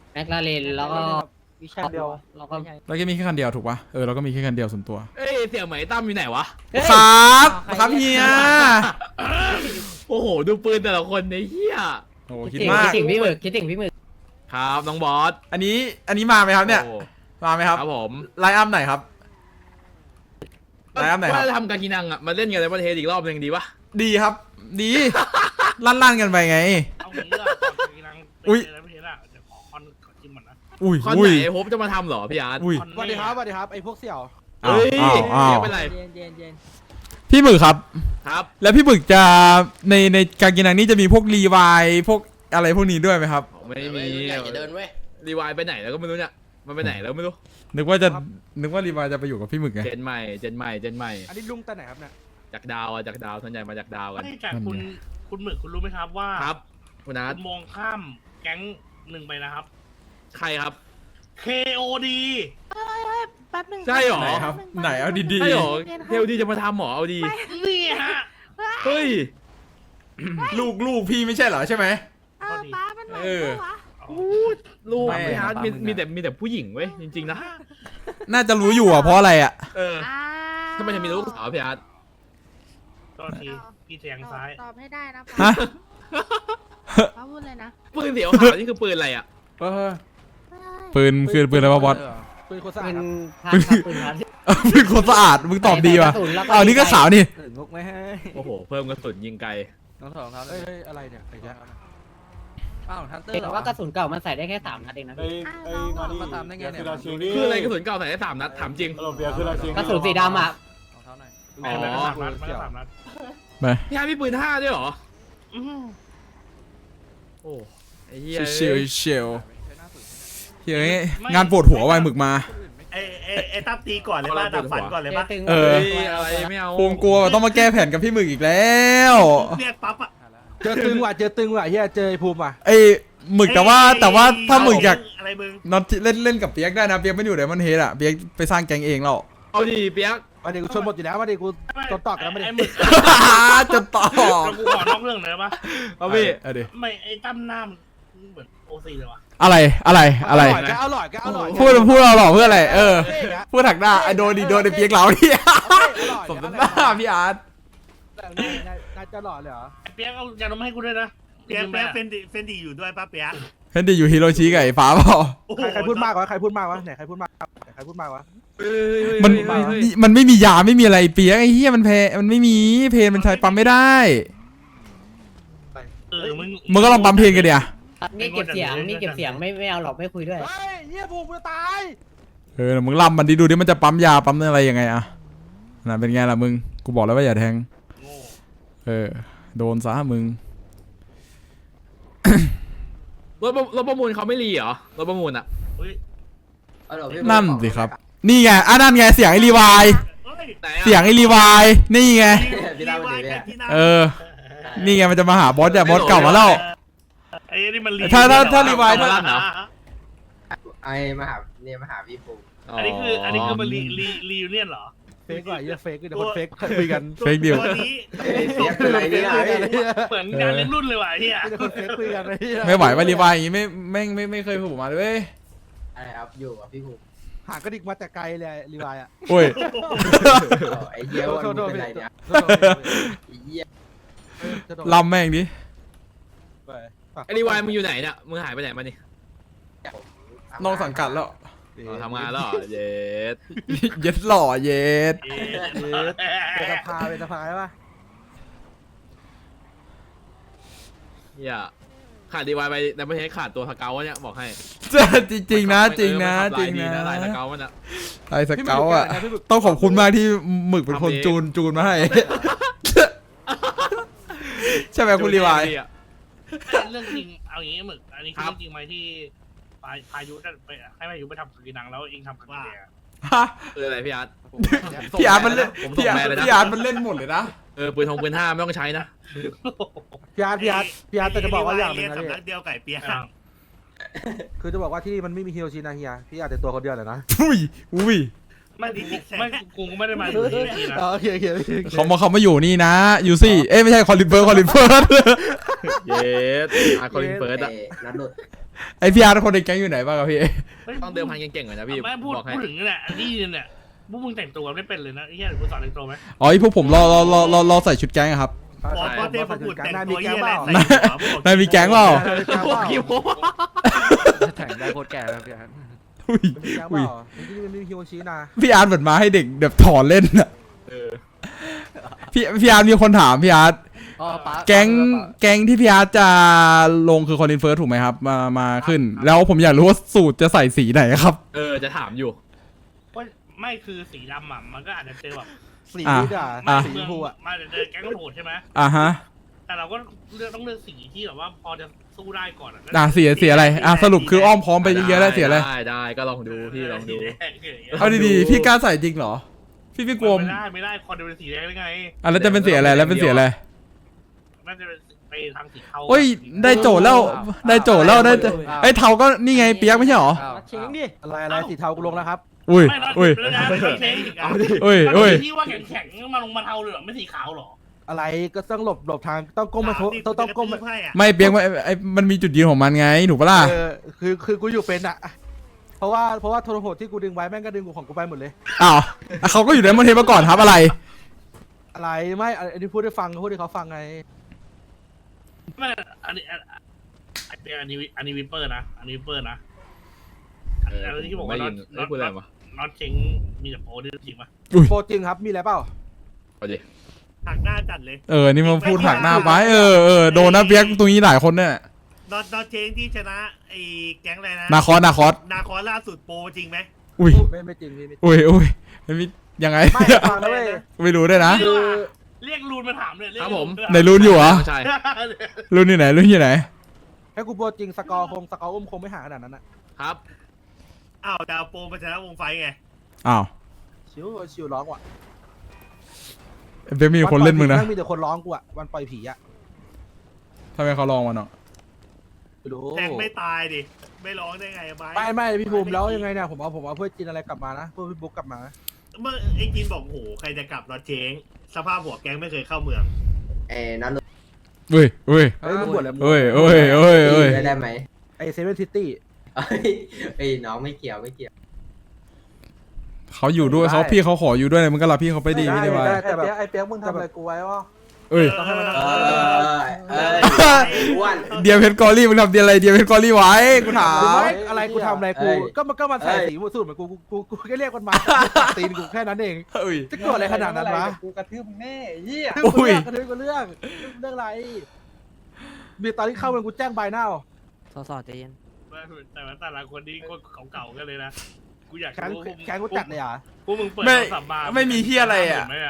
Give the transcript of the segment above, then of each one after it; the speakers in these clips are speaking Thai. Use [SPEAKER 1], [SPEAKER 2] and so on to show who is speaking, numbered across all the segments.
[SPEAKER 1] แมคลาเรนแล้วก็
[SPEAKER 2] วิชั่นเดียว
[SPEAKER 1] แล้วก็
[SPEAKER 3] เราก็มีแค่คันเดียวถูกปะเราก็มีแค่คันเดียวส่วนตัว
[SPEAKER 4] เอ้ยเสี่ยวไหมตั้มอยู่ไหนวะ
[SPEAKER 3] ครับครับเฮีย
[SPEAKER 4] โอ้โหดูปืนแต่ละคนในเฮีย
[SPEAKER 3] โอ้
[SPEAKER 1] คิ
[SPEAKER 3] คิ
[SPEAKER 1] ด
[SPEAKER 3] ด
[SPEAKER 1] ถึง
[SPEAKER 3] มาก
[SPEAKER 1] คิดถึงพี่หมึกคิดถึงพี่หมึก
[SPEAKER 4] ครับน้องบอส
[SPEAKER 3] อันนี้มาไหมครับเนี่ย
[SPEAKER 4] โอ้
[SPEAKER 3] มาไหมครับ
[SPEAKER 4] ครับผม
[SPEAKER 3] ไลน์อัพไหนครับไลน์อัพไหนครับ
[SPEAKER 4] ว่าจะทำกากินังอ่ะมาเล่นกันในประเทศอีกรอบหนึ่งดีปะ
[SPEAKER 3] ดีครับ ดี ลั่นกันไปไง
[SPEAKER 5] เอางี้ดีกว่าก่อนจะกินนัง
[SPEAKER 3] อุ๊ย
[SPEAKER 5] แล้วไม่เห็นอ่ะเดี๋ยวขอคอนขอจิ้มก่อนนะ
[SPEAKER 3] อุ้ย
[SPEAKER 4] คอน
[SPEAKER 3] อุ้
[SPEAKER 4] ไห
[SPEAKER 3] ย
[SPEAKER 4] นโฮปจะมาทำเหรอพี่อาร์ต
[SPEAKER 3] อุ้ย
[SPEAKER 5] คอน
[SPEAKER 2] สวัสดีครับสวัสดีครับไอ้พวกเสี่ยว
[SPEAKER 4] เฮ้ย
[SPEAKER 3] อ้าว
[SPEAKER 4] เรียกเป็นไร
[SPEAKER 1] เย็นเย็นเย็น
[SPEAKER 3] พี่หมึกครับ
[SPEAKER 4] ครับ
[SPEAKER 3] แล้วพี่หมึกจะในการกินอันนี้จะมีพวกรีวายพวกอะไรพวกนี้ด้วยไหมครับ
[SPEAKER 4] ไม่มี
[SPEAKER 6] อย่าเดินเว้ย
[SPEAKER 4] รีวายไปไหนแล้วก็ไม่รู้เนี่ยมันไปไหนแล้วไม่รู้
[SPEAKER 3] นึกว่ารีวายจะไปอยู่กับพี่หมึกไง
[SPEAKER 4] เจนใหม่เจนใหม่เจนใหม่
[SPEAKER 2] อันนี้ลุงแต่ไหนครับเนี่ย
[SPEAKER 4] จากดาวอ่ะจากดาวส่วนใหญ่มาจากดาวกัน
[SPEAKER 5] ไม่จากคุณหมึกคุณรู้ไหมครับว่า
[SPEAKER 4] ครับคุณอาร์ต
[SPEAKER 5] คุณมองข้ามแก๊งหนึ่งไปนะครับ
[SPEAKER 4] ใครครับ
[SPEAKER 5] KOD
[SPEAKER 7] แป๊บหนึง
[SPEAKER 4] ใช่หรอ
[SPEAKER 3] ไหนครับไหนเอาดี
[SPEAKER 4] ใช่หรอเทลดีจะมาทำหรอเอาดี
[SPEAKER 5] นี่ฮะ
[SPEAKER 4] เฮ้ย
[SPEAKER 3] ๆลูกพี่ไม่ใช่เหรอใช่ไหม
[SPEAKER 7] ป้ามันไหน
[SPEAKER 3] เออ
[SPEAKER 7] วะ
[SPEAKER 4] ลูก
[SPEAKER 3] ไม่
[SPEAKER 4] พี่อาร์ต
[SPEAKER 3] ครับ
[SPEAKER 4] มีแต่ผู้หญิงเว้ยจริงๆนะ
[SPEAKER 3] น่าจะรู้อยู่อ่ะเพราะอะไรอ่ะ
[SPEAKER 4] เออ
[SPEAKER 7] อ่า
[SPEAKER 4] ทำไมถึงมีลูกสาวพี่อาร์ต
[SPEAKER 5] ตอนทีพี่แทงซ้าย
[SPEAKER 7] ตอบให้ได้นะ
[SPEAKER 3] ฮะ
[SPEAKER 7] ป้าพูดเลยนะ
[SPEAKER 4] ปืนเสียวขาวนี่คือปืนอะไรอ่ะ
[SPEAKER 3] ปืนคือปืนอะไรวะบอส
[SPEAKER 2] ปืนโคตรสะอา
[SPEAKER 1] ปื
[SPEAKER 2] ด
[SPEAKER 1] น
[SPEAKER 2] ครับ
[SPEAKER 1] พัดครับปืนพัด
[SPEAKER 3] ปืนคนสะอาดมึงตอบดีว่ะ
[SPEAKER 1] ใส่กระสุนแล้วก็
[SPEAKER 3] เอานี่ก็ขาวนี่
[SPEAKER 2] งกไม่ให้
[SPEAKER 4] โอ้โหเพิ่มกระสุนยิงไกล
[SPEAKER 2] น้องสองครับเอ้ยอะไรเนี่ยไอ้แจ๊ค
[SPEAKER 6] อ้าวทันเตอ
[SPEAKER 1] เห็
[SPEAKER 6] ร์
[SPEAKER 1] น
[SPEAKER 6] เหรอ
[SPEAKER 1] ว่ากระสุนเก่ามันใส่ได้แค่3 นัดเองนะพี่
[SPEAKER 6] มาตามได้ไงเนี่ย
[SPEAKER 4] คืออะไรกระสุนเก่าใส่ได้3 นัดถามจริง
[SPEAKER 1] กระสุนสีดำอ่ะ
[SPEAKER 6] เอาเท้าหน่อย
[SPEAKER 4] อ๋อ
[SPEAKER 5] ไม่สามนัดไม่สามนัด
[SPEAKER 4] พี่อาร์ตมีปืน5ด้วยเหรอ
[SPEAKER 5] อื้อหือ
[SPEAKER 4] โอ้ไอ้เหี้ย
[SPEAKER 3] เชียวเชียวเฮ้ยงานปวดหัวไวหมึกมา
[SPEAKER 5] ไอ้ตั้มตีก่อนเลยป่ะดับฝันก่อนเลยป่ะ
[SPEAKER 1] ตึง
[SPEAKER 3] เออ
[SPEAKER 4] เฮ้ยอะไรไม่เอา
[SPEAKER 3] ปูมกลัวต้องมาแก้แผนกับพี่หมึกอีกแล้ว
[SPEAKER 5] เรียกปั๊บอ่ะ
[SPEAKER 2] เจอตึงว่ะเจอตึงว่ะเฮียเจอไอ้ภูมิว่ะ
[SPEAKER 3] ไอ้หมึกแต่ว่าถ้าหมึกอยาก
[SPEAKER 5] อะไรมึง
[SPEAKER 3] น็อตเล่นกับเปียกได้นะเปียกไม่อยู่เดี๋ยวมันเฮดอ่ะเปียกไปสร้างแก๊งเองแล้ว
[SPEAKER 4] เอาดีเปียก
[SPEAKER 2] วันนี้กูชนหมดอยู่แล้ววันนี้กูตอนตอกแล้วไม่ได้
[SPEAKER 5] ไอ้หมึก
[SPEAKER 3] จะต่อ
[SPEAKER 5] เรากูขอนอกเรื่องเลยป่ะ
[SPEAKER 4] เอาพี่
[SPEAKER 3] เอาดิ
[SPEAKER 5] ไม่ไอ้ตั้มหน้ามันเหมือนโอซีเลยว่ะ
[SPEAKER 3] อะไร
[SPEAKER 2] อร่อยก็อร่อยก็อร่อย
[SPEAKER 3] พูดเราหล่อเพื่ออะไรพูดถักหน้าไอโดนดิโดนไอเปียกเราเนี่ยสมน้ำหน้าพี่อาร์ต
[SPEAKER 2] น่าจะหล่อเลยเหรอ
[SPEAKER 5] ไอ้เปียกเอายาดมให้กูด้วยนะ
[SPEAKER 8] เปียกเฟนดีอยู่ด้วยป้าเปียก
[SPEAKER 3] เห็นดิอยู่ฮิโรชิกับไอ้ฟ้าเปล่า
[SPEAKER 8] โอ้โห
[SPEAKER 2] ใครพูดมากวะใครพูดมากวะไหนใครพูดมากใครพูดมากวะ
[SPEAKER 3] มันไม่มียาไม่มีอะไรเปียกไอ้เหี้ยมันมันไม่มีเพนมันใช้ปั๊มไม่ได้ มึงก็ลองปั๊มเพนกันเดี๋ยว
[SPEAKER 1] นี่เก็บเสียงนี่เก็บเสียงไม่เอาหรอกไม่คุยด้วย
[SPEAKER 2] เฮ้ยเฮียภูมิกูจะตาย
[SPEAKER 3] มึงล่ำมันดิดูดิมันจะปั๊มยาปั๊มอะไรยังไงอะน่ะเป็นไงล่ะมึงกูบอกแล้วว่าอย่าแทงโดนซะมึง
[SPEAKER 4] รถประมูลเขาไม่รีเหรอรถประมูลอ่ะ
[SPEAKER 3] นั่นสิครับนี่ไงนั่นไงเสียงไอรีวาย
[SPEAKER 4] ไหนอะ
[SPEAKER 3] เสียงไอรีวายนี่ไง
[SPEAKER 8] พี่ดาวดีเนี่ย
[SPEAKER 3] นี่ไงมันจะมาหาบอสแต่บอสเก่ามาแล้ว
[SPEAKER 5] ไอ้นี่มันรี
[SPEAKER 3] ถ้ารีไวล์
[SPEAKER 4] เอมลั่นเหรอ
[SPEAKER 6] ไอ้มาหาเนี่ยมาหาพี่ปู
[SPEAKER 5] อันนี้คือมันรียูเนียนเหรอ
[SPEAKER 2] เฟกว่ะเฮียเฟกเดี๋ยวคนเฟกคุยกัน
[SPEAKER 3] เฟกดิว
[SPEAKER 8] ตัวนี้
[SPEAKER 6] เสียเป็นไรเนี่ย
[SPEAKER 5] เหมือนงานเลี้ยงรุ่นเลยว่ะไอ้เฮีย
[SPEAKER 2] เดี๋ยวคนเฟกคุยกันเลยเฮีย
[SPEAKER 3] ไม่ไหวว่ารีไวล์อย่างงี้ไม่เคยผูกมาเลยเว้ย
[SPEAKER 6] อะไรครับอยู่กับพี่ปู
[SPEAKER 2] หางกระดิกมาแต่ไกลเลยรีวายอ่ะ
[SPEAKER 3] โอ้ย
[SPEAKER 6] ไอ้เหี้ยวันนี้เป็นไรเนี่ยไอ้เหี้ย
[SPEAKER 3] ลำแม่งดิ
[SPEAKER 4] ไอ้รีวายมึงอยู่ไหนเนี่ยมึงหายไปไหนมานี่
[SPEAKER 3] น้องสังกัดแล้ว
[SPEAKER 4] อ๋อทำงานแล้วเหรอเย็ด
[SPEAKER 3] เย็ดหล่อเย็ด
[SPEAKER 2] เป็นสภาเป็นสภาใช่ปะ
[SPEAKER 4] เฮียขาดรีวายไปแต่ไม่ใช่ขาดตัวสเกลวะเนี่ยบอกให้
[SPEAKER 3] จริงนะจริงนะ
[SPEAKER 4] เออ
[SPEAKER 3] จริง
[SPEAKER 4] มันทำลายดี
[SPEAKER 3] นะ
[SPEAKER 4] ลายสเกลมันอะ
[SPEAKER 3] ไอสเกลอ่ะต้องขอบคุณมากที่หมึกเป็นคนจูนมาให้ ใช่ไหมคุณรีวาย
[SPEAKER 5] เรื่องจริงเอาอย่างนี้หมึกอันนี้คือเรื่องจริงไหมที่พายุได้ไปให้พายุไปทำกีนังแล้วเองทำกันเอง
[SPEAKER 4] คืออะไรพี่อาร์ต
[SPEAKER 3] พี่อาร์ตมันเล่น
[SPEAKER 4] ผมส่งแม่เลยนะ
[SPEAKER 3] พี่อาร์ตมันเล่นหมดเลยนะ
[SPEAKER 4] ปืนทงปืน5ไม่ต้องใช้นะ
[SPEAKER 2] พี่อาร์ตแต่จะบอกว่าอย่างหนึงนะ
[SPEAKER 8] สำนั
[SPEAKER 2] พี่
[SPEAKER 8] กเดียวไก่เปียก
[SPEAKER 2] คือจะบอกว่าที่มันไม่มีฮิโรชินะเฮียพี่อาร์ตแต่ตัวคนเดียวเลยนะ
[SPEAKER 3] อุ้ย
[SPEAKER 5] ไม่กูไม่ได้มาอยู่ที่นี่นะ
[SPEAKER 2] โอเค
[SPEAKER 3] เขามาอยู่นี่นะยูซี่ไม่ใช่คอลินเฟิร์ส
[SPEAKER 4] เย็ดอาร์คอลินเฟิร์สอะ
[SPEAKER 6] นัดหลุด
[SPEAKER 3] ไอพี่อาร์ตคนในแก๊งอยู่ไหนบ้างครับพี่
[SPEAKER 5] ฮ้ย
[SPEAKER 4] ต้องเดิมพันเก่งๆหน่อยนะพี่
[SPEAKER 5] แม่พูด
[SPEAKER 4] บอกให้
[SPEAKER 5] พูดถึงนี่แหละอันนี้เนี่ยพวกมึงแต่งตัวไม่เป็นเลยนะไอ้เหี้ยกูสอนแต่งตัวไหม
[SPEAKER 3] อ๋อไอพวกผมรอใส่ชุดแก๊งอะครับ
[SPEAKER 8] บอกว่าเทพบุตรแต่งตัวเยี่ยอะไร
[SPEAKER 3] นาย
[SPEAKER 8] ใส่หัวพวก
[SPEAKER 3] นายมีแก๊งเปล่า
[SPEAKER 4] พวกคิว
[SPEAKER 2] แข่งได้โคตรแก่แล้วพี่อาร์ต
[SPEAKER 3] อุ้ย
[SPEAKER 2] มีแก๊งเป
[SPEAKER 3] อุ้ย
[SPEAKER 2] ล่าที่นี่มันมีฮิโรชินะ
[SPEAKER 3] พี่อาร์ตเหมือนมาให้เด็กแบบถอนเล่นอะพี่อาร์ตมีคนถามพี่อาร์ต
[SPEAKER 2] อ๋อป๋า
[SPEAKER 3] แก๊งที่พี่อาร์ตจะลงคือคอนเทนเฟิร์สถูกไหมครับมาขึ้น แล้วผมอยากรู้ว่าสูตรจะใส่สีไหนครับ
[SPEAKER 4] จะถามอยู่
[SPEAKER 5] ว่าไม่คือสีดำอ่ะมันก็อาจจะเจอแบบ
[SPEAKER 2] สีนี่ด่า
[SPEAKER 3] อ่ะ
[SPEAKER 2] สีชมพูอ่ะ
[SPEAKER 5] มาเดินแก๊งโหดใช่ไหม
[SPEAKER 3] อ่ะฮะ
[SPEAKER 5] แต่เราก็ต้องเลือกสีที่แบบว่าพอจะสู้ได้ก่อนอะ
[SPEAKER 3] เสียอะไรสรุปคืออ้อมพร้อมไปเยอะๆแล้วเสียอะไร
[SPEAKER 4] ได้ก็ลองดูพี่ลองดู
[SPEAKER 5] สีแดงอย่างเงี้ย
[SPEAKER 3] เอาดีๆพี่กล้าใส่จริงเหรอพี่กลัว
[SPEAKER 5] ไม่ได้คอนเดเป็นสีแดงได้ไง
[SPEAKER 3] แล้วจะเป็นเสียอะไรแล้วเป็นเสียอะไร
[SPEAKER 5] น่าจะเป็นไปทางสีเทา
[SPEAKER 3] โอ้ยได้โจทย์แล้วได้ไอ้เทาก็นี่ไงเปียกไม่ใช่หรอ
[SPEAKER 1] เชงดิ
[SPEAKER 2] อะไรสีเทากูลงแล้วครับ
[SPEAKER 3] อุ้ย
[SPEAKER 5] ไม่นะ
[SPEAKER 3] อุ้ย
[SPEAKER 5] ไม่นะไม่ใช่อีกอ่ะ
[SPEAKER 3] อุ้ย
[SPEAKER 5] ที่ว่าแข็งๆมาลงมาเทาเลยเหรอไม่สีขาวเหรอ
[SPEAKER 2] อะไรก็ต้องหลบทางต้องก้มมาต้องก้มมา
[SPEAKER 8] ให้อะ
[SPEAKER 3] ไม่เปียกมันมีจุดยืนของมันไงถูกปะล่ะ
[SPEAKER 2] คือกูอยู่เป็นอ่ะเพราะว่าโทรโหดที่กูดึงไว้แม่งก็ดึงกูของกูไปหมดเลย
[SPEAKER 3] อ้าวเขาก็อยู่ในมอนเทนมาก่อนครับอะไร
[SPEAKER 2] อะไรไม่อันนี้พูดให้ฟังพูดให้เขาฟังไง
[SPEAKER 5] ไม่อันนี้วิปเปอร์นะอันนี้วิปเปอร์นะอันนี้ที่บอกว่า
[SPEAKER 4] ไม่ยินไม่พูดอะไรวะ
[SPEAKER 5] น็อตเชงมีแต่โปรนี่จริงปะ
[SPEAKER 2] โปรจริงครับมีอะไรเปล่า
[SPEAKER 4] เอาดิ
[SPEAKER 8] หักหน้าจัดเลย
[SPEAKER 3] นี่มาพูดหักหน้าไปโดนนะเปียกตรงนี้หลายคนเนี่ย
[SPEAKER 8] นอตเชงที่ชนะไอ้แก๊งอะไรนะ
[SPEAKER 3] นาคอส
[SPEAKER 8] นาคอล่าสุดโปรจริงไหม
[SPEAKER 3] อุ้ย
[SPEAKER 2] ไม่จริงพี่
[SPEAKER 3] อุ้ยมันมียังไง
[SPEAKER 2] ไม่ฟังนะเว้ย
[SPEAKER 3] ไม่รู้ด้วยนะ
[SPEAKER 5] เรียกรูนมาถามเลย
[SPEAKER 4] ครับผม
[SPEAKER 3] ไหนรุ่นอยู่เหรอ
[SPEAKER 4] ใช่
[SPEAKER 3] รุ่นอยู่ไหน
[SPEAKER 2] ให้กูโปรจริงสกอร์อุ้มคงไม่ห่างขนาดนั้นนะครับ
[SPEAKER 8] อ้าวแต่เอาโปรมาชนะวงไฟไง
[SPEAKER 3] อ้าว
[SPEAKER 2] ชิวร้องว่ะ
[SPEAKER 3] เปียกมีคนเล่นมึงนะ
[SPEAKER 2] มีแต่คนร้องกูอ่ะวันปล่อยผีอ่ะ
[SPEAKER 3] ทำไมเขาลองมาเนาะ
[SPEAKER 2] ดู
[SPEAKER 8] แทงไม่ตายดิไม่ร้องได้ไงบาย
[SPEAKER 2] ไม่พี่ภูมิแล้วยังไงเนี่ยผมเอาเพื่อจินอะไรกลับมานะเพื่อพี่บุ๊กกลับมา
[SPEAKER 8] เมื่อไอ้จินบอกโหใครจะกลับนอตเชงสภาพหัวแก๊งไม่เคยเข้าเมือง
[SPEAKER 6] นั่น
[SPEAKER 3] เฮ้ย
[SPEAKER 2] เฮ้ยมึงบวชแล้ว
[SPEAKER 6] ได้ไหม
[SPEAKER 2] ไอเซเว่นซิตี้
[SPEAKER 6] ไอ้น้องไม่เกี่ยว
[SPEAKER 3] เขาอยู่ด้วยพี่เขาขออยู่ด้วยมึงก็รับพี่เขาไปดีไม่ได้ว่า
[SPEAKER 2] แต่แบบไอเปียกมึงทำอะไรกูไว้วะ
[SPEAKER 3] เอ้ย
[SPEAKER 2] ต้องให้มัน
[SPEAKER 6] อ้วน
[SPEAKER 3] เดียเพชรกอรี่มึงทำเดียอะไรเดียเพชรกอรี่ไว้กูถาม
[SPEAKER 2] อะไรกูทำอะไรกูก็มันใส่สีสูตรเหมือนกูแค่เรียกมันมาตีนกูแค่นั้นเอง
[SPEAKER 3] เอ้ย
[SPEAKER 2] จะเกิดอะไรขนาดนั้นวะ
[SPEAKER 1] กูกระทืบมึงแน่เหี้ย
[SPEAKER 3] อุ้ย
[SPEAKER 2] กระทืบกูเรื่องอะไรมีตอนที่เข้าเมืองกูแจ้งใบหน้า
[SPEAKER 1] สอใจเย็น
[SPEAKER 5] แต่ว่าแต่ละคนนี้คนเก่าๆกันเลยนะกูอยาก
[SPEAKER 2] แข้ง
[SPEAKER 5] รู้
[SPEAKER 2] แข้งกูจัดเลยอ่ะ
[SPEAKER 5] พวกมึงเปิด
[SPEAKER 3] ไม่
[SPEAKER 5] โทรศัพท์มา
[SPEAKER 3] ไม่มีเหี้ยอะไรอะ
[SPEAKER 5] เห็นไหมอะ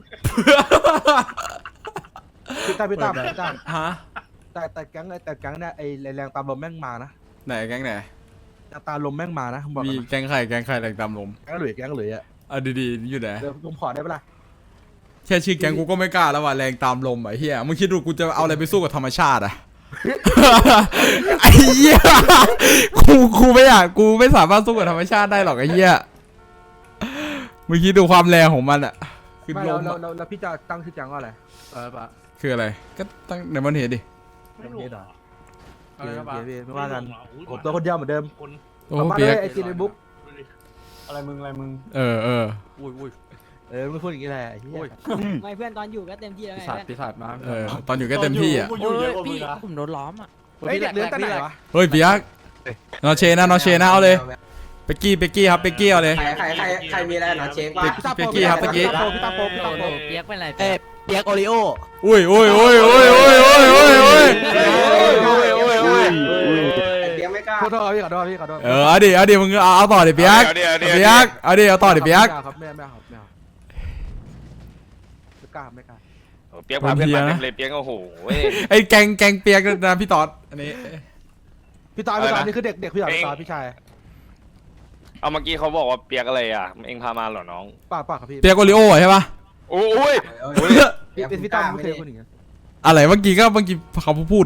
[SPEAKER 2] พี่ตั้ม
[SPEAKER 3] ฮะ
[SPEAKER 2] แต่แก๊งเนี่ยไอแรงตามลมแม่งมานะ
[SPEAKER 3] ไหนแก๊งไหน
[SPEAKER 2] ตามลมแม่งมานะบอก
[SPEAKER 3] มีแก๊งไข่แรงตามลม
[SPEAKER 2] แก๊งหลุยอ่ะ
[SPEAKER 3] ดีๆอยู่ไหน
[SPEAKER 2] เดี๋ยวผมขอได้ปะล่ะ
[SPEAKER 3] แค่ชื่อแก๊งกูก็ไม่กล้าแล้วว่ะแรงตามลมไอ้เหี้ยมึงคิดดูกูจะเอาอะไรไปสู้กับธรรมชาติอ่ะ ไอ้เหี้ยกูไม่สามารถสู้กับธรรมชาติได้หรอกไอ้เหี้ยมึงคิดดูความแรงของมันอ่ะคือ
[SPEAKER 2] ไม่
[SPEAKER 3] ลมอะ
[SPEAKER 2] แล้วพี่จะตั้งชื่อแก๊งว่าอะไรปะ
[SPEAKER 3] คืออะไรก็ตั้งในมันเห็นดิ
[SPEAKER 5] ไม่รู้เหรอ
[SPEAKER 2] ไม่ว่ากัน
[SPEAKER 5] อุ๊ย
[SPEAKER 2] ผมตัวคนเดียวเหมือนเดิม
[SPEAKER 5] คน
[SPEAKER 3] โอ้
[SPEAKER 2] ผมมา
[SPEAKER 3] เปียก
[SPEAKER 2] ไอจีในบุ๊ก
[SPEAKER 5] ดูดิ
[SPEAKER 1] อะไรมึง
[SPEAKER 3] เออ
[SPEAKER 2] มึงพูดอย่างนี้แหละเฮีย
[SPEAKER 1] ไม่เพื่อนตอนอยู่ก็เต็มที่แล้วไง
[SPEAKER 2] ปีศาจมา
[SPEAKER 3] เออตอนอยู่ก็เต็มที่อ่ะ
[SPEAKER 8] กูอยู่เยอะกว่ามึ
[SPEAKER 1] พี่
[SPEAKER 8] งนะ
[SPEAKER 1] ผมโดนล้อมอ่ะ
[SPEAKER 2] เฮ้ยเด็กเลื้อนแต่ไหนวะ
[SPEAKER 3] เฮ้ยเปียกนอเชนะเอาเลยเป๊กกี้ครับเป๊กกี้เอาเลย
[SPEAKER 6] ใครมีอะไรหนอเช็คป่ะ
[SPEAKER 2] พี่ตาโปเปียกเป็นไร
[SPEAKER 1] เปียกโอริโอ
[SPEAKER 3] อุ้ย
[SPEAKER 6] เปียกไม่กล้า
[SPEAKER 2] ขอโทษพี่ขอโทษ
[SPEAKER 3] เอาดิมึงเอาต่อดิเปียกเอาต่อดิเปียก
[SPEAKER 2] ครับไม่เอาไม่กล้า
[SPEAKER 9] เปียกพาเพื่อนมาเต็มเลยเปียกโอ้โห
[SPEAKER 3] ไอ้แกงเปียกนะพี่ตอดอันนี้
[SPEAKER 2] พี่ตานี่คือเด็กพี่ตาพี่ชาย
[SPEAKER 9] เอาเมื่อกี้เขาบอกว่าเปียกอะไรอ่ะเองพามาเหรอน้อง
[SPEAKER 2] ป้าครับพี่
[SPEAKER 3] เปียกโอริโอใช่ปะ
[SPEAKER 9] โอ้ย
[SPEAKER 2] เป็นพี่ตาไม่เคยคนอย่างเงี้ย
[SPEAKER 3] อะไรเมื่อกี้เขาพูด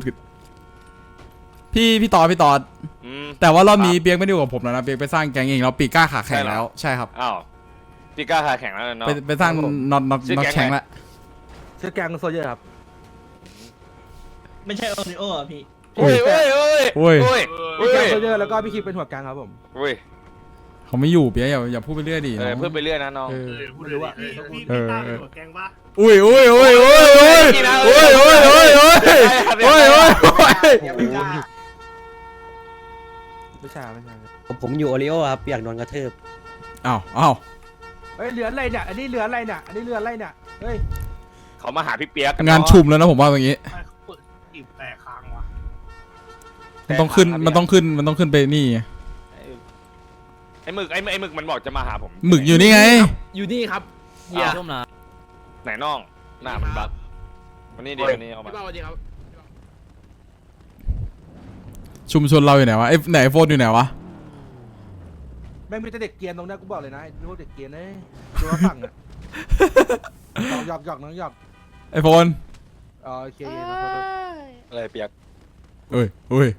[SPEAKER 3] พี่ตอดแต่ว่ารอบนี้เปียกไม่ได้อยู่กับผมแล้วนะเปียกไปสร้างแกงเองแล้วปีก้าขาแข็งแล้วใช่ครับ
[SPEAKER 9] อ้าวพี่ก้าขาแข็งแล้วเนาะ
[SPEAKER 3] ไปสร้างน็อตแข็งแล้ว
[SPEAKER 2] ชื่อแกงโซเยอร์ครับ
[SPEAKER 1] ไม่ใช่โอริโออ่ะพี่
[SPEAKER 9] โอ้ยโอ้ยโอ้ย
[SPEAKER 3] โอ้ย
[SPEAKER 9] โอ้ย
[SPEAKER 2] พี่แก๊งโซเยอร์แล้วก็พี่คิดเป็นหัวแก๊งครับผม
[SPEAKER 9] โอ้ย
[SPEAKER 3] เขาไม่อยู่เปียกอย่าพูดไปเรื่อยดิ
[SPEAKER 9] เออพูดไปเรื่อยนะน้อง
[SPEAKER 3] เออ
[SPEAKER 8] ไม่รู้ว่าพี่ตาเป็นหัวแกงปะ
[SPEAKER 3] อุ้ยอุ้ยอุ้ยอุ้ยอุ้ยอุ้ยอุ้ยอุ้ยอุ้ยอุ้ยอุ้ย
[SPEAKER 6] อย่าไปกล้า
[SPEAKER 2] ไม่ใช่ไม่ใช่
[SPEAKER 1] ผมอยู่โอริโอครับอยากโดนกระทืบ
[SPEAKER 3] อ้าวอ้าว
[SPEAKER 2] เฮ้ยเรือนอะไรเนี่ยอันนี้เรือนอะไรเนี่ยอันนี้เรือนอะไรเนี่ยเฮ้ย
[SPEAKER 9] เขามาหาพี่เปียกกัน
[SPEAKER 3] งานชุมแล้วนะผมว่าอย่างงี้
[SPEAKER 5] ใครเขาเปิดจีบแต่ค้างวะ
[SPEAKER 3] มันต้องขึ้นมันต้องขึ้นไปนี่
[SPEAKER 9] ไอ้หมึกไอ้หมึกมันบอกจะมาหาผม
[SPEAKER 3] หมึกอยู่นี่ไง
[SPEAKER 4] อยู่นี่ครับเฮีย
[SPEAKER 1] ร่วมนะ
[SPEAKER 9] ไหนน้องหน้ามันบักวันนี้ดีวันนี้เอามา
[SPEAKER 4] พี่เป้าสวัสดีครับ
[SPEAKER 3] ชุมชนเราอยู่ไหนวะไอ้ไหนโฟนอยู่ไหนวะ
[SPEAKER 2] แม่งมีแต่เด็กเกรียนตรงเนี้ยกูบอกเลยนะไอ้พวกเด็กเกรียนเอ้ยดูว่าฝั่งอ่ะหยอกน้องหยอก
[SPEAKER 3] ไอ้โฟน
[SPEAKER 2] โอเค
[SPEAKER 7] เอ้
[SPEAKER 2] ครับ
[SPEAKER 7] ย
[SPEAKER 9] อะไรเปียก
[SPEAKER 3] เอ้ยเอ้ย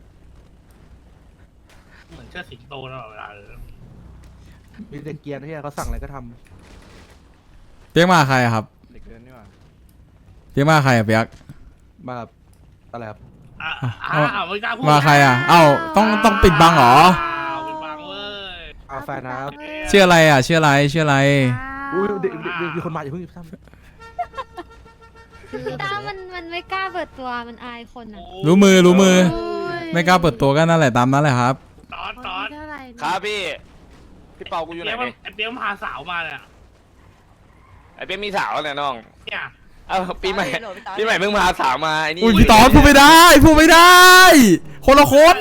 [SPEAKER 5] เหมือนเชิดสิงโตตลอดเวลาเลย
[SPEAKER 2] มีเด็กเกรียนที่เขาสั่งอะไรก็ท
[SPEAKER 3] เปียกมาใครอะครับ
[SPEAKER 2] ำเด็กเกรียนนี่หว่า
[SPEAKER 3] เปียกมาใครอะเปียก
[SPEAKER 2] มาแบบอะไรครับ
[SPEAKER 5] ไม่กล้าพูด
[SPEAKER 3] มาใครอะเอ้าต้องปิดบังเหรอ
[SPEAKER 5] ปิดบังเว้ย
[SPEAKER 2] เอาแฟนนะครับ
[SPEAKER 3] ชื่ออะไรอะชื่ออะไรชื่ออะไร
[SPEAKER 2] อุ้ยเด็กมีคนมาอย่าเพิ่งทำ
[SPEAKER 7] พี่ตามันไม่กล้าเปิดตัวมันอายคนอ่ะ
[SPEAKER 3] รู้มือ
[SPEAKER 7] โอ้ย
[SPEAKER 3] ไม่กล้าเปิดตัวก็นั่นแหละตามนั้นแหละครับ
[SPEAKER 5] ตอน
[SPEAKER 7] เท่าไหร่เนี่ย
[SPEAKER 9] ครับพี่พี่เปากูอยู่ไหน
[SPEAKER 5] ไอ้เปี้ยมพาสาวมาเนี่ย
[SPEAKER 9] ไอ้เปียกมีสาวแล้วเนี่ยน้อง
[SPEAKER 5] เนี่ย
[SPEAKER 9] เอ้าปีใหม่เพิ่งพาสาวมาไอ้นี่
[SPEAKER 3] อุ้ยพี่ตอนพูดไม่ได้คนละคน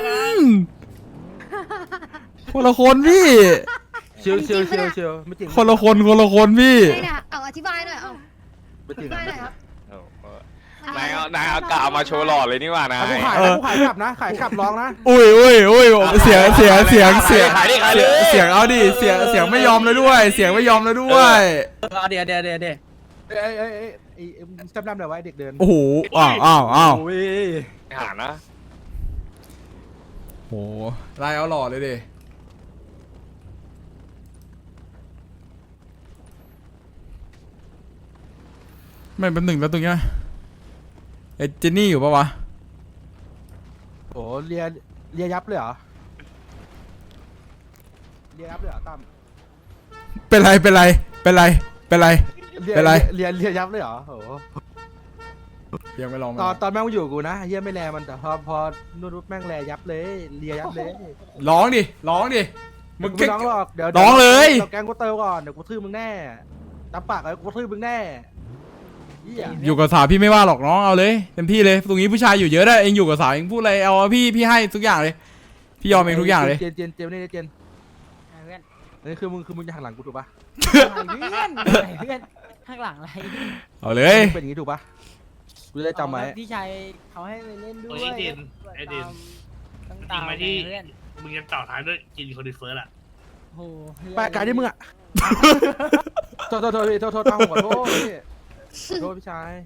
[SPEAKER 3] พี่
[SPEAKER 2] เชียวไม่จริง
[SPEAKER 3] คนละคนพี่
[SPEAKER 7] ใช่เนี่ยเอาอธิบายหน่อยเอา
[SPEAKER 2] ไม่
[SPEAKER 7] อ
[SPEAKER 2] จริ
[SPEAKER 7] ธิ
[SPEAKER 2] ง
[SPEAKER 7] บายหน่อยครับ
[SPEAKER 9] โอ้โหนายเอากาวมาโชว์หล่อเลยนี่หว่านะ
[SPEAKER 2] กูขายขับนะขายขับร้องนะ
[SPEAKER 3] อุ้ยเสียง
[SPEAKER 9] ขายดิขายเลย
[SPEAKER 3] เสียงเอาดิเสียงไม่ยอมแล้วด้วย เสียงไม่ยอมแล้วด้วย
[SPEAKER 1] เดี๋ยว
[SPEAKER 2] เอ้จำนำหน่อยไว้เด็กเดิน
[SPEAKER 3] โอ้โหอ้าว
[SPEAKER 9] หานะ
[SPEAKER 3] โหไล่เอาหล่อเลยดิไม่เป็นหนึ่งแล้วตรงเนี้ยไอ้เจนนี่อยู่ปะวะ
[SPEAKER 2] โอ้เลียยับเลยเหรอเลียยับเลยเหรอตั้ม
[SPEAKER 3] เป็นไร
[SPEAKER 2] เลีย
[SPEAKER 3] เป็นไร
[SPEAKER 2] เลียยับเลยเหรอโอ้
[SPEAKER 3] ยังไม่ลอง
[SPEAKER 2] ตอนแม่งอยู่กูนะเฮียไม่แลมันแต่พอนู่นแม่งแลยับเลยเลียยับเลย
[SPEAKER 3] ร้องดิมึง
[SPEAKER 2] ไม่ร้องหรอกเดี๋ยว
[SPEAKER 3] ร้องเลย
[SPEAKER 2] เราแกงกูเติมก่อนเดี๋ยวกูทื่อมึงแน่ตามปากเลยกูทื่อมึงแน่เฮีย
[SPEAKER 3] อยู่กับสาวพี่ไม่ว่าหรอกน้องเอาเลยเต็มที่เลยตรงนี้ผู้ชายอยู่เยอะได้เองอยู่กับสาวเองพูดอะไรเอาพี่ให้ทุกอย่างเลยพี่ยอมเองทุกอย่างเลย
[SPEAKER 2] เจนนี่เจน
[SPEAKER 1] เพื่อน
[SPEAKER 2] นี่คือมึงจะหันหลังกูถูกปะ
[SPEAKER 1] เพื่อนข้างหลังอะไร
[SPEAKER 3] เอาเลย
[SPEAKER 2] เป็นอย่างนี้ถูกปะกูจะได้จำไว้
[SPEAKER 1] พี่ชายเขาให้ไปเล่นด้วย
[SPEAKER 5] ไอ้ดินไอ้ดิน
[SPEAKER 1] ต้อง
[SPEAKER 5] จริ
[SPEAKER 1] ตาง ม
[SPEAKER 5] ไหม
[SPEAKER 1] ไป
[SPEAKER 5] ที่
[SPEAKER 1] เพื่อน
[SPEAKER 5] มึงจะต่อท้ายด้วยกินคนดีเฟิร์สอะ
[SPEAKER 1] โอ้โห
[SPEAKER 2] ไปกายที่มึงอะโทษตั้งหัวโทษพี่โทษพี่ชาย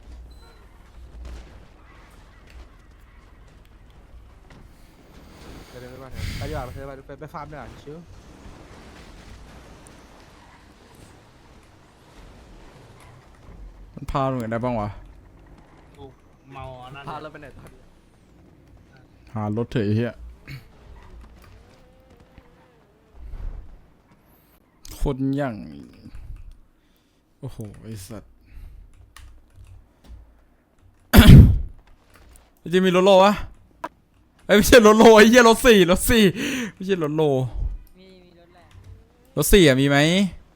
[SPEAKER 2] ไปดีกว่าไปฟาร์มดีกว่าชิว
[SPEAKER 3] มันพาลงไหนได้บ้างวะ
[SPEAKER 5] กูเมานั่น
[SPEAKER 2] พาเราไปไหนต่อ
[SPEAKER 3] หารถเถอะไอ้เฮียคนอย่างโอ้โหไอสัตว์ จะมีรถโลวะไอ้ยไม่ใช่รถโลไอ้เหี้ยรถสี่ไม่ใช่รถโล
[SPEAKER 1] มีรถแหละ
[SPEAKER 3] รถสี่อะมีไหม
[SPEAKER 1] ม